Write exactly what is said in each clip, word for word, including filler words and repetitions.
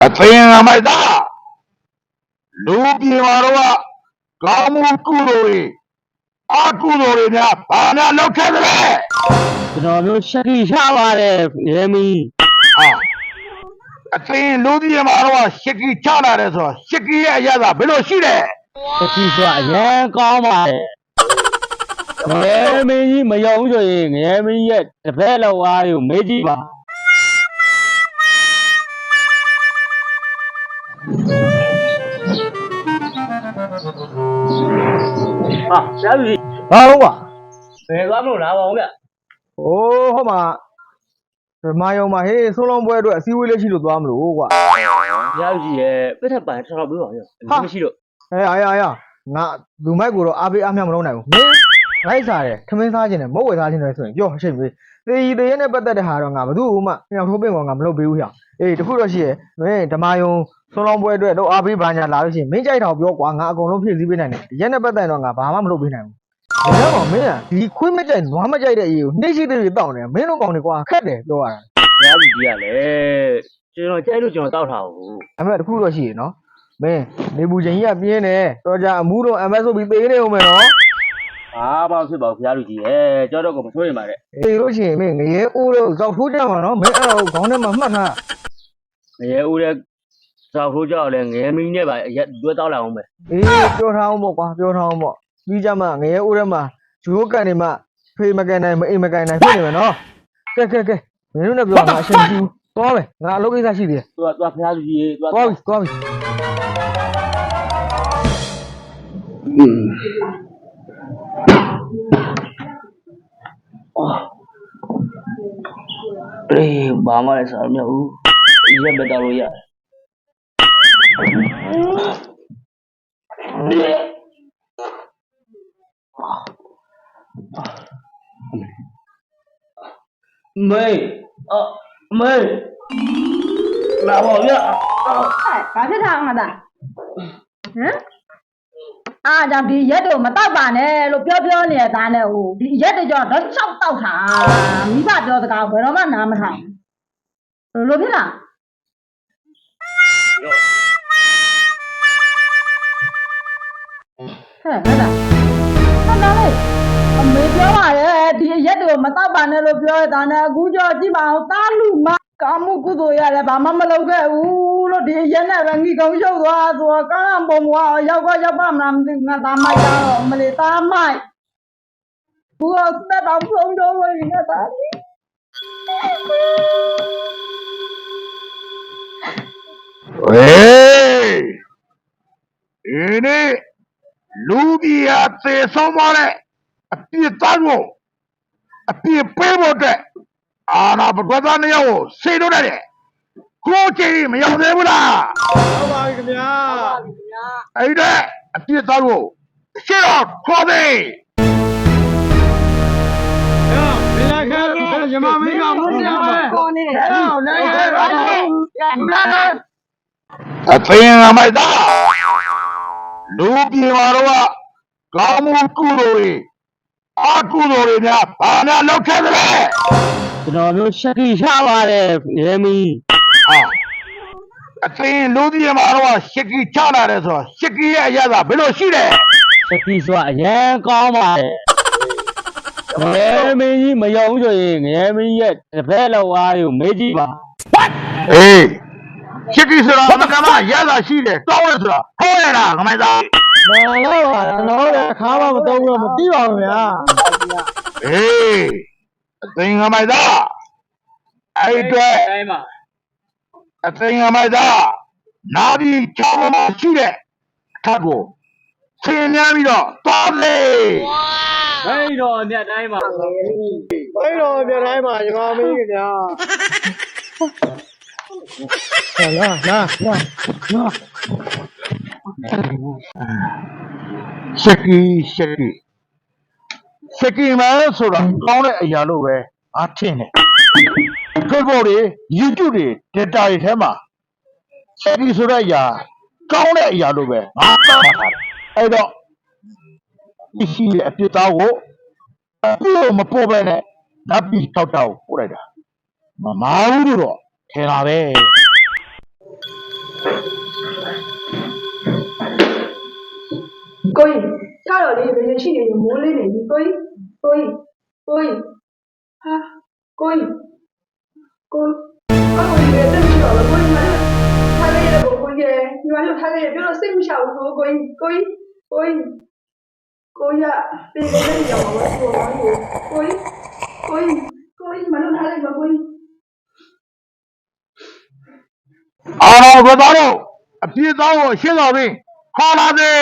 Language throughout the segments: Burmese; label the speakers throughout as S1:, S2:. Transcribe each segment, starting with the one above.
S1: အသင်အမိုက်သားလူပြေမာတော့ကောင်းမှုကုသိုလ်တွေအကုသိုလ်တွေများဘာများလောက်ခဲ့သလဲ
S2: ကျွန်တော်မျိုးရှက်ကြီးရပါတယ်ရေမီ
S1: ဟာအသင်လူပြေမာတော့ရှစ်ကြီးချလာတယ်ဆိုတော့ရှစ်ကြီးရဲ့အရသာဘယ်လိုရှိလဲ
S2: ရှက်ကြီးဆိုတာအရင်ကောင်းပါတယ်ငရဲမင်းကြီးမယုံဆိုရင်ငရဲမင်းရဲ့တပည့်လောက်အားကိုမေးကြည့်ပါဟာဆရာကြီးဘာလို့ပါဘယ်သွားမလို့လားပါဦးဗျ
S3: ။အိုးဟောမှာဓမ္မယုံမှာဟေးဆုံးလုံးပွဲအတွက်အစည်းအဝေးလေးရှိလို့သွားမလို့ကွာ
S2: ။ဆရာကြီးရဲ့ပြတ်ထပ်ပိုင်းထောက်ပေးပါဦး။မရှိလို့
S3: ။အဲအားရအားရငါလူမိုက်ကိုတော့အားပေးအားမြမလုပ်နိုင်ဘူး။မင်းလိုက်စားတယ်ထမင်းစားခြင်းနဲ့မုတ်ဝယ်စားခြင်းနဲ့ဆိုရင်ပြောအချိန်ပေး။သေကြီးသေရဲနဲ့ပတ်သက်တဲ့ဟာတော့ငါဘယ်သူမှမြောက်ထိုးပင်ကောင်ငါမလုပ်ပေးဘူးဟျ။အေးတခုတော့ရှိရဲ့မင်းဓမ္မယုံဆုံးလုံးပွဲအတွက်တော့အားပေးပါညာလာလို့ရှိရင်မင်းကြိုက်တော့ပြောကွာငါအကုန်လုံးဖြည့်ဆည်းပေးနိုင်တယ်။ရက်နဲ့ပတ်သက်တော့ငါဘာမှမလုပ်ပေးနိုင်ဘူး။ဒါကြောင့်မင်းကဒီခွေးမကြိုက်နွားမကြိုက်တဲ့အရေးကိုနှိမ့်ရှိတဲ့တွေတောင်းနေမင်းတို့ကောင်တွေကွာခက်တယ်ပြောရတာ
S2: ဆရာကြီးကြီးကလည်းကျွန်တော်ကြိုက်လို့ကျွန်တော်တောက်ထားဘူး
S3: အမေတခုတော့ရှိရနော်မင်းနေဘူးချင်းကြီးကပြင်းတယ်တော်ကြအမှုတော့အမက်ဆိုပြီးသေးနေဦးမယ်နော်
S2: ဘာမှဖြစ်ပါဘူးဆရာကြီးကြီးရဲ့ကြောက်တော့ကိုမဆိုးရင်ပါတဲ့
S3: အေးလို့ရှိရင်မင်းငရဲအိုးတော့ဇောက်ထိုးကြမှာနော်မင်းအဲ့တော့ခေါင်းထဲမှာမှတ်ထား
S2: ငရဲအိုးတဲ့ဇောက်ထိုးကြောက်လဲငရဲမင်းနဲ့ပါရက်တွဲတောက်လာအောင်ပဲ
S3: အေးပြောထားအောင်ပေါ့ကွာပြောထားအောင်ပေါ့ပြီးကြမှာငရဲအိုးထဲမှာဂျိုးကန်နေမှဖေးမကန်နိုင်မအိမ်မကန်နိုင်ဖြစ်နေမယ်နော်ကဲကဲကဲမင်းတို့နဲ့ပြောမှာအရှင်ကြီးသွားမယ်ငါအလုပ်ကိစ္စရှိသေးတယ်
S2: သွားသွားဖျားလူကြီးသွား
S3: သွားပြီသွားပြီ
S2: อืมအေးဘာမှလည်းစားမရဘူးရက်ပဲတောက်လို့ရတယ်မေအမေလာပါဗျာ
S4: ဘာဖြစ်တာငါသားဟမ်အားကြောင့်ဒီရက်တို့မတောက်ပါနဲ့လို့ပြောပြောနေတဲ့သားနဲ့ဟိုဒီရက်တွေကြောင့်တော့ချောက်တောက်တာမိဘပြောစကားဘယ်တော့မှနားမထောင်ဘူးလို့ဖြစ်လားဟဲ့ဘာလဲဟာနားလေအမေပြောပါရဲ့ဒီရက်တို့မတောက်ပါနဲ့လို့ပြောတဲ့သားနဲ့အခုကြောကြည့်ပါအောင်သားလူမကာမှုကုသိုလ်ရတယ်ဘာမှမလုပ်ခဲ့ဘူးလို့ဒီရက်နဲ့ပဲငီကုံရှုပ်သွားဆိုတော့ကားပုံကရောက်ကရောက်ပါမလားမသိဘူးငါသားမိုက်တော့မလေးသားမိုက်ဘူးတော့တက်တော့ဖုံးတော့ဝင်နေသားလေး
S1: ဝေးဒီနေ့လူပြေအသေးဆုံးပါတဲ့အပြစ်သားကိုအပြစ်ပေးဖို့အတွက်အာနာပကွက်သားနှစ်ယောက်ကိုစေလို့ရတယ်ကိုကြည့်မရောက်သေးဘူးလား
S3: ဟုတ်ပါပြီခင်ဗျာ
S1: အဲ့ဒါအပြစ်သားကိုရှေ့တော့ခေါ်သေး
S3: မင်းလိုက်ခဲ့ရမမင်းကမုန်းနေပါခေါ်နေတယ်ဟဲ့နိုင်ခဲ့ပါ
S1: အသင်အမိုက်သားလူပြေမာတော့ကောင်းမှုကုသိုလ်တွေအကုသိုလ်တွေများဘာများလောက်ခဲ့သလဲ
S2: ကျွန်တော်မျိုးရှက်ကြီးရပါတယ်ရေမီ
S1: ဟာအသင်လူပြေမာတော့ရှစ်ကြီးချလာတယ်ဆိုတော့ရှစ်ကြီးရဲ့အရသာဘယ်လိုရှိလဲ
S2: ရှက်ကြီးဆိုတာအရင်ကောင်းပါတယ်ငရဲမင်းကြီးမယုံဆိုရင်ငရဲမင်းရဲ့တပည့်လောက်အားကိုမေးကြည့်ပါ
S1: အေးရှစ်ကြီးဆိုတာမကမရသာရှိတယ်တောင်းရဆိုတာဟောရတာခမိုင်းသား
S3: မလို့ပါတော့လည်းခါမှမတော့ဘူးမသိပါဘူးဗျာ
S1: အေးအသင်ခမိုင်းသားအဲ့အတွက်အသင်ခမိုင်းသားနာပြီးချောင်းမရှိတဲ့အထက်ကိုဆင်းများပြီးတော့တောလေ
S2: ဘိတော်အမြတ်တိုင်းမှာ
S3: ဘိတော်အမြတ်တိုင်းမှာညီမမင်းခင်ဗျာလာလာလာလာ
S1: ရှက်ကီရှက်ကီရှက်ကီမဲဆိုတာကောင်းတဲ့အရာလို့ပဲအားထင်တယ် Facebook တွေ YouTube တွေ data တွေထဲမှာရှက်ကီဆိုတဲ့အရာကောင်းတဲ့အရာလို့ပဲငါသတ်မှတ်ထားတယ်အဲ့တော့ဒီရှိတဲ့အပြစ်သားကိုအပြစ်မပေါ်ပဲနဲ့ဓာတ်ပြီးထောက်တောက်ပို့လိုက်တာမမာဘူးလို့တော့ထင်တာပဲ
S4: မိုးလေးနေပြီကိုကြီးကိုကြီးကိုကြီးဟာကိုကြီးကိုအကိုကြီးလည်းတက်ပြီးတော့ကိုကြီးမလို့ထားခဲ့ရတော့ကိုကြီးညီမတို့ထားခဲ့ရပြောတော့စိတ်မချဘူးကိုကြီးကိုကြီးကိုကြီးကိုကြီးကတေးလေးရောက်တော့ကိုကြီးကိုကြီးကိုကြီးကိုကြီးမလို့ထားလိုက်ပါကိုကြီး
S1: အာရောဘသားတို့အပြည့်သားကိုရှင်းတော်ပြီခေါ်လာသည်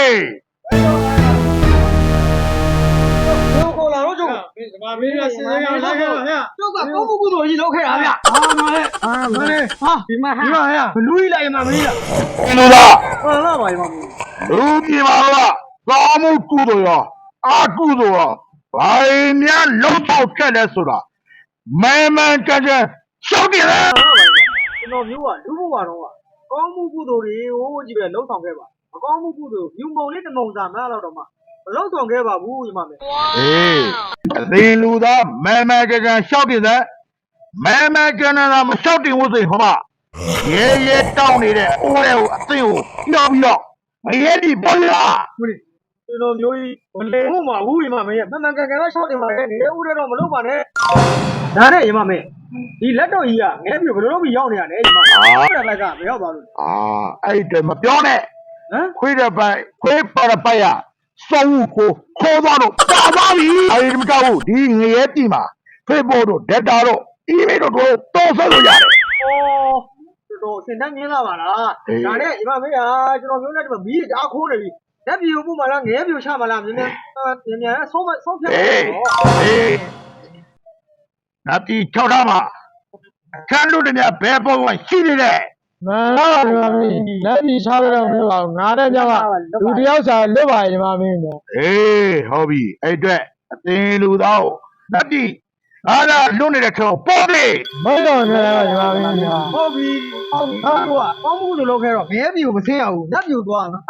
S3: တို့ခေါ်လာတော့ကျုပ်
S5: ဒီမှာမင်းကစဉ်းစားရလိုက်ခဲ့ပါဗျာ
S3: ကျုပ်ကကောင်းမှုကုသိုလ်ကြီးလုပ်ခဲ့တာဗျာ
S5: ဟာမလေးဟာမလေးဟာဒီမှာဟာဒီမှာဟာ
S3: ဘလူးကြီးလိုက်မှမင်းလား
S1: ဒီလိုလား
S5: ဟာလာပါမမ
S1: လူပြည်မှာတော့ကောင်းမှုကုသိုလ်ရောအာကုသိုလ်ရောဘာများလုံးပေါက်ခဲ့လဲဆိုတာမဲမဲကြကြရှောက်တယ်လေ
S3: ကျွန်တော်မျိုးကလူဘဝတော့ကောင်းမှုကုသိုလ်တွေကိုကြည့်ပဲလှုပ်ဆောင်ခဲ့ပါအကောင်းမှုကုသိုလ်ယူမုံလေးတမုံစာမလားတော့မှမလှုပ်ဆောင်ခဲ့ပါဘူးညီမမေ
S1: အေးအသေးလူသားမဲမဲကြကြရှောက်တယ်လေမဲမဲကြကြနာမရှောက်တင်ဘူးဆိုဟောမရဲရဲတောင်းနေတဲ့အိုးတွေကိုအသိကိုပြောပြီးတော့မရဲဒီပေါ်လာ
S3: ကျွန်တော်မျိုးကြီးမလဲဟုတ်မှာဘူးညီမမေမှန်မှန်ကန်ကန်တော့ရှောက်တင်ပါနဲ့နေဦးတဲ့တော့မလုပ်ပါနဲ့ဒါနဲ့ညီမမေဒီလက်တော်ကြီးကငဲပြီဘယ်လိုလုပ်ပြီးရောက်နေရလဲညီမဟုတ်တယ်လိုက်ကမရောက်ပါဘူး
S1: အာအဲ့ဒါမပြောနဲ့
S3: ဟမ်
S1: ခွေးတဲ့ပိုက်ခွေးပါတဲ့ပိုက်ရစောင်းကိုခေါ်သွားတော့ပါသွားပြီအဲ့ဒီမကြောက်ဘူးဒီငရဲပြီမှာဖေးပေါ်တော့ဒက်တာတော့အီးမေးလ်တော့တော့ဆက်လို့ရတယ်
S3: ဩတော်စင်တန်းမြင်လာပါလားဒါနဲ့ညီမမေဟာကျွန်တော်မျိုးနဲ့ဒီမှာမီးအားခိုးနေပြီလက်ပြူပို့မှလားငဲပြူချမှလားမြင်မြန်မြင်မြန်ဆုံးမဆုံးဖြတ်
S1: အေး
S3: တော့
S1: အေးနာတီချောက်ထားမှာအခန်းတို့တည်းဘယ်ပေါ်ကရှိနေလဲ
S5: မလာပါမမလက်ပြီးချားရတော့မလို့ပါငါတဲ့ကြောင့်ကလူတယောက်စာလွတ်ပါရဲ့ဒီမှာမင်းတော့
S1: အေးဟုတ်ပြီအဲ့အတွက်အသင်လူသားကိုနာတီအားလာလွတ်နေတဲ့ခေါပေါ်လေ
S5: မဟုတ်တော့နေတော့ဒီမှာမင်းက
S3: ဟုတ်ပြီဟုတ်ပြီဟာတော့ကောင်းမှုလို့လုပ်ခဲ့တော့ငဲပြူမဆင်းရဘူးလက်ပြူသွားမှာ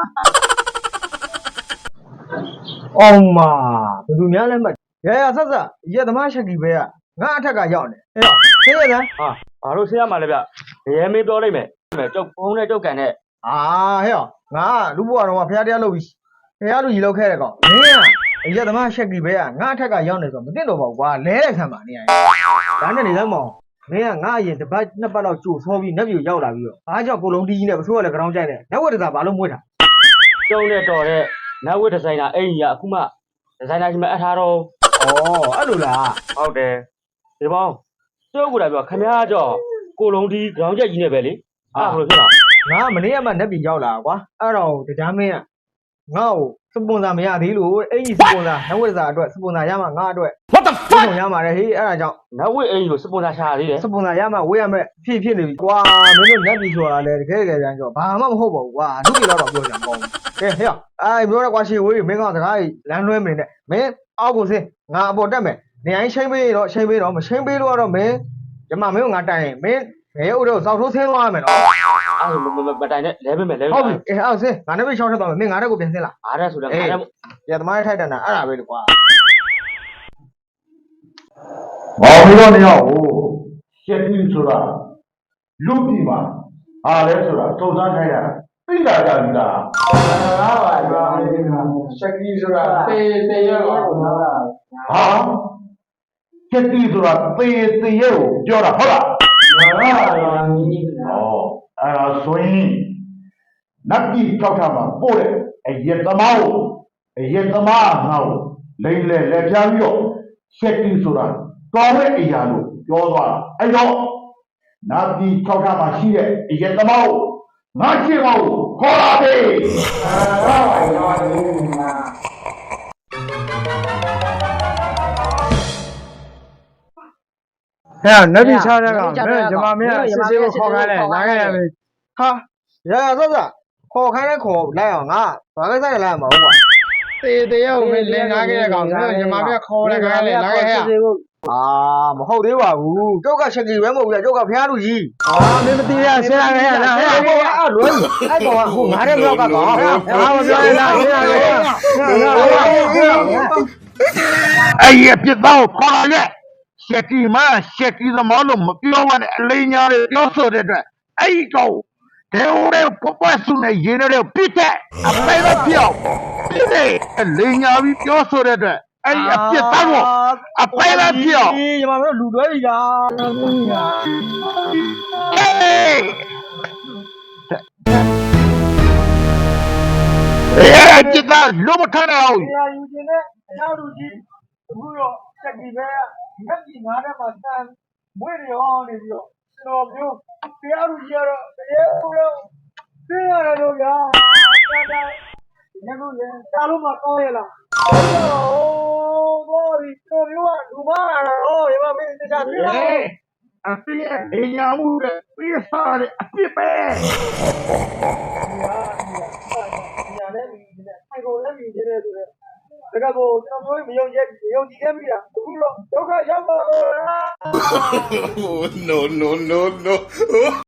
S3: အောင်မဘယ်သူများလဲမှတ်ရရဆက်ဆက်ရက်သမားချက်ကြီးပဲကငါအထက်ကရောက်နေအေးဆေးရလား
S2: ဟာဘာလို့ဆင်းရမှာလဲဗျရဲမင်းပြောလိုက်မယ်ကျုပ်ဖုန်းနဲ့ကျုပ်ကန်နဲ့
S3: အာဟဲ့ငါလူဘွားတော်ကဖះတရားလုပ်ပြီးဖះလူကြီးလောက်ခဲ့တဲ့ကောင်မင်းကအရက်သမားချက်ကြီးပဲကငါအထက်ကရောက်နေဆိုမသိတော့ပါဘူးကွာလဲတဲ့ခံပါနေရဒါနဲ့နေစမ်းမအောင်မင်းကငါအရင်တစ်ပတ်နှစ်ပတ်လောက်ကြိုဆောပြီးနှက်ပြူရောက်လာပြီးတော့အားကြောင့်ကိုလုံးတီးကြီးနဲ့ပစိုးရလည်းကြောင်းကြိုက်တယ်လက်ဝက်တစားဘာလို့မွေးတာ
S2: ကျုံနဲ့တော်တဲ့နတ်ဝတ်ဒီဇိုင်နာအဲ့ကြီးကအခုမှဒီဇိုင်နာကြီးမအပ်ထားတော့
S3: ဩအဲ့လိုလား
S2: ဟုတ်တယ်ဒီပေါင်းကျုပ်ကလည်းပြောခမည်းကြောကိုလုံးဒီခေါင်းချက်ကြီးနဲ့ပဲလေအဲ့ဘယ်လိုဖြစ်လာ
S3: ငါမနေ့ကမှနှက်ပြူရောက်လာကွာအဲ့တော့တရားမင်းကငါ့ကိုစပွန်ဆာမရသေးလို့အဲ့ကြီးစပွန်ဆာလက်ဝက်တစားအတွက်စပွန်ဆာရမှာငါအတွက်
S2: What the
S3: ဖုန်းရမှာလေဟေးအဲ့ဒါကြောင့်
S2: နတ်ဝတ်အဲ့ကြီးကိုစပွန်ဆာရှာရသေးတယ်
S3: စပွန်ဆာရမှာဝေးရမယ်ဖြစ်ဖြစ်နေပြီကွာမင်းတို့နှက်ပြူဆိုတာလေတကယ်တကယ်ကြမ်းကြောဘာမှမဟုတ်ပါဘူးကွာလူကြီးတော့ပြောကြမှာပေါ့ကဲဟဲ့အဲ့ပြောရကွာရှေဝေးမင်းကစကားလမ်းလွဲမနေနဲ့မင်းအောက်ကိုစင်းငါအပေါ်တက်မယ်နေရင်ချိန်ပေးတော့ချိန်ပေးတော့မချိန်ပေးလို့ကတော့မင်းဒီမှာမင်းကငါတိုင်ရင်မင်းငယ်ဥတော့စောက်ထိုးဆင်းသွားရမယ်နော်
S2: အဲ့မတိုင်နဲ့လဲပေးမယ်လဲ
S3: ဟုတ်ပြီအေးအောက်စင်းငါနဲ့ပဲရှောင်းထက်သွားမယ်မင်းငါတက်ကိုပြန်ဆင်းလာ
S2: အားရဆိုတော့ငါလည်း
S3: ရသမားထိုက်တန်တာအဲ့ဒါပဲလေကွာ
S1: ဘာလို့တော့နေရောက်ဟိုရှက်ကြီးဆိုတာလူပြည်မှာအားလဲဆိုတာစုံစမ်းခိုင်းရသိတာကြပြီလား
S5: လာပါပါမင်းကစက်ကီဆိုတာတေးတေးရောပါတော့
S1: ဟာရှက်ကြီးဆိုတာသေသေရဲ့ကိုပြောတာဟုတ်လား
S5: လာပါပါမင်းက
S1: ဩအဲ့ဒါဆိုရင်နတ်ပြည်ကြောက်တာမှာပို့တယ်အရက်သမားကိုအရက်သမားငါ့ကိုလိမ့်လေလက်ပြားပြီးတော့ရှက်ကြီးဆိုတာကောင်းတဲ့အရာလို့ပြောသွားတာအဲ့တော့နတ်ပြည်ကြောက်တာမှာရှိတဲ့အရက်သမားကိုငါချစ်အောင်ခေါ်လာပြီ
S5: လာပါပါမင်းက ဟဲ့နတ်ပြည်ချတဲ့ကောင်မင်းဂျမမင်းစစ်စစ်ကိုခေါ်ခိုင်းလိုက်လာခဲ့ရပြီ
S3: ဟာရရဆက်ဆက်ခေါ်ခိုင်းတဲ့ခေါ်လိုက်အောင်ငါဘာကိစ္စလဲလိုက်ရမှာဟုတ်ကွာ
S5: တေးတေးရောမင်းလင်ကားခဲ့တဲ့ကောင်မင်းဂျမမင်းခေါ်လိုက်ခိုင်းလိုက်လာခဲ့ရ
S3: အာမဟုတ်သေးပါဘူးကျုပ်ကချက်ကြီးပဲမဟုတ်ဘူးကျုပ်ကဖះလူကြီး
S5: အာမင်းမသိရဆင်းလာခဲ့ရလားဟဲ့
S3: အဲ့ကောင်အဲ့လွယ်အဲ့ကောင်ကဟိုငါတဲ့မြောက်ကကောင်
S5: ငါမပြောရလားဆင်းလာခဲ့ရ
S1: အဲ့ဒီအပြစ်သားကိုခေါ်လာခဲ့ရှက်ကြီးမရှက်ကြီးသမားလို့မပြောရနဲ့အလိညာတွေပြောဆိုတဲ့အတွက်အဲ့ဒီကောင်ဒေဝရဲပပဆုနဲ့ရင်းရဲပြစ်တဲ့အပေတော့ပြောက်လိန်ညာပြီးပြောဆိုတဲ့အတွက်အဲ့ဒီအပြစ်သားကိုအပဲပဲပြအောင်
S3: ဒီညီမတို့လူတွဲပြီလား
S1: ဟေးအဲ့ဒီကလုံးမထမ်းအောင်
S3: နေရာယူခြင်းနဲ့အရောက်လူကြီးအခုတော့စက်ကြီးပဲငက်ကြီးငါးထဲမှာတန်မွေးရောနေပြီးတော့ကျွန်တော်မျိုးတရားလူကြီးကတော့တရားကိုတော့သိရတယ်လို့ဗျာတာတာညခုလေတာလို့မကောင်းရလားဟိုးဘောဒီကျွန်တော်မျိုးကလူမလာတော့ရမမင်းတခြားသိလား
S1: အပြစ်လိန်ညာမှုတဲ့ပြစ်စားတဲ့အပြစ်ပဲ
S3: ညာနဲ့မြင်တယ်ဆိုင်ကုန်နဲ့မြင်တယ်ဆိုတော့ဒါကဘောကျွန်တော်မျိုးမယုံကြည်မယုံကြည်ခဲ့မိတာအခုတော့ဒုက္ခရောက်ပါတော့လား
S6: no, no, no, no.